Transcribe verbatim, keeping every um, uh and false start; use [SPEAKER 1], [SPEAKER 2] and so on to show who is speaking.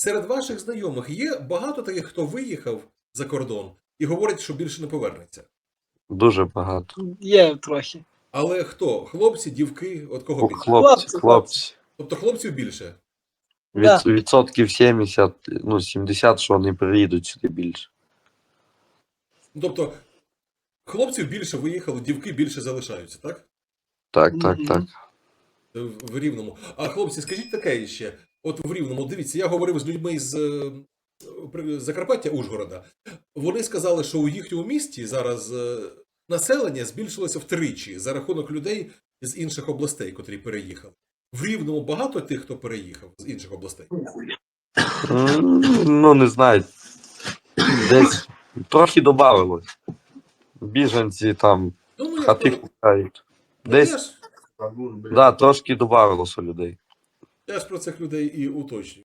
[SPEAKER 1] серед ваших знайомих є багато таких, хто виїхав за кордон і говорить, що більше не повернеться?
[SPEAKER 2] Дуже багато.
[SPEAKER 3] Є трохи.
[SPEAKER 1] Але хто? Хлопці, дівки, от кого більше?
[SPEAKER 2] Хлопці,
[SPEAKER 3] Хлопці,
[SPEAKER 2] хлопці.
[SPEAKER 1] Тобто хлопців більше?
[SPEAKER 2] Від,
[SPEAKER 3] Да.
[SPEAKER 2] Відсотків сімдесят, ну сімдесят, що вони приїдуть сюди більше.
[SPEAKER 1] Ну, тобто хлопців більше виїхало, дівки більше залишаються, так?
[SPEAKER 2] Так, так,
[SPEAKER 3] Мгм.
[SPEAKER 2] так.
[SPEAKER 1] В Рівному. А хлопці, скажіть таке ще. От в Рівному, дивіться, я говорив з людьми з е, при- Закарпаття, Ужгорода. Вони сказали, що у їхньому місті зараз е, населення збільшилося втричі за рахунок людей з інших областей, котрі переїхали. В Рівному багато тих, хто переїхав з інших областей?
[SPEAKER 2] М, Ну, не знаю. Десь трохи додавалось. Біженці там
[SPEAKER 1] Ну, ну я,
[SPEAKER 2] хати
[SPEAKER 1] про-
[SPEAKER 2] купають.
[SPEAKER 1] ну, я,
[SPEAKER 2] Десь,
[SPEAKER 1] ж,
[SPEAKER 2] да, трошки додавалося людей.
[SPEAKER 1] я ж про цих людей і уточнюю.